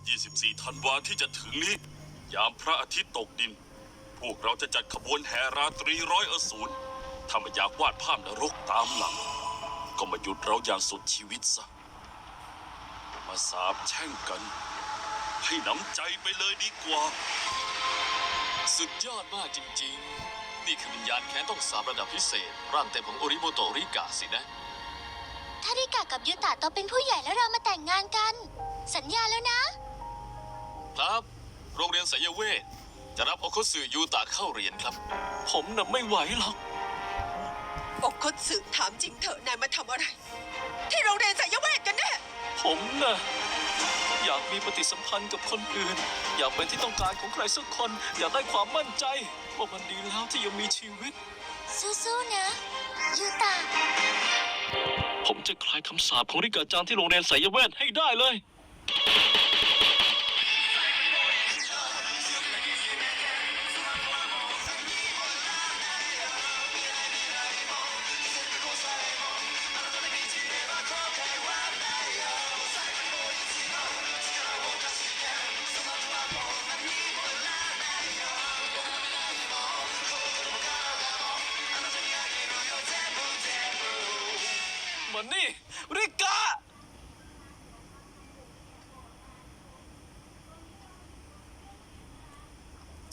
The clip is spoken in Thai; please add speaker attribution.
Speaker 1: 24 ธันวาที่จะถึงนี้ ยามพระอาทิตย์ตกดิน พวกเราจะจัดขบวนแห่ราตรีร้อยอสูรถ้าไม่อยากวาดภาพนรกตามหลัง ก็มาหยุดเราอย่างสุดชีวิตซะ มาสาบแช่งกัน ให้น้ำใจไปเลยดีกว่า
Speaker 2: สุดยอดมากจริงๆ นี่คือวิญญาณแค้นต้องสาบระดับพิเศษ ร่างเต็มของโอริโมโตริกะสินะ
Speaker 3: ถ้าริกะกับยูตะโตเป็นผู้ใหญ่แล้วเรามาแต่งงานกัน สัญญาแล้วนะ
Speaker 2: ครับ โรงเรียนไสยเวทจะรับโอโคสึยูตะเข้าเรียนครับ
Speaker 4: ผมน่ะไม่ไหวหรอก
Speaker 5: อกคตสึถามจริงเถอะนายมาทำอะไร ที่โรงเรียนไสยเวทกันแน่
Speaker 4: ผมน่ะอยากมีปฏิสัมพันธ์กับคนอื่น อยากเป็นที่ต้องการของใครสักคน อยากได้ความมั่นใจว่ามันดีแล้วที่ยังมีชีวิต
Speaker 3: สู้ๆนะยูตะ
Speaker 4: ผมจะคลายคำสาปของริกาจังที่โรงเรียนไสยเวทให้ได้เลย มันนี่ริกา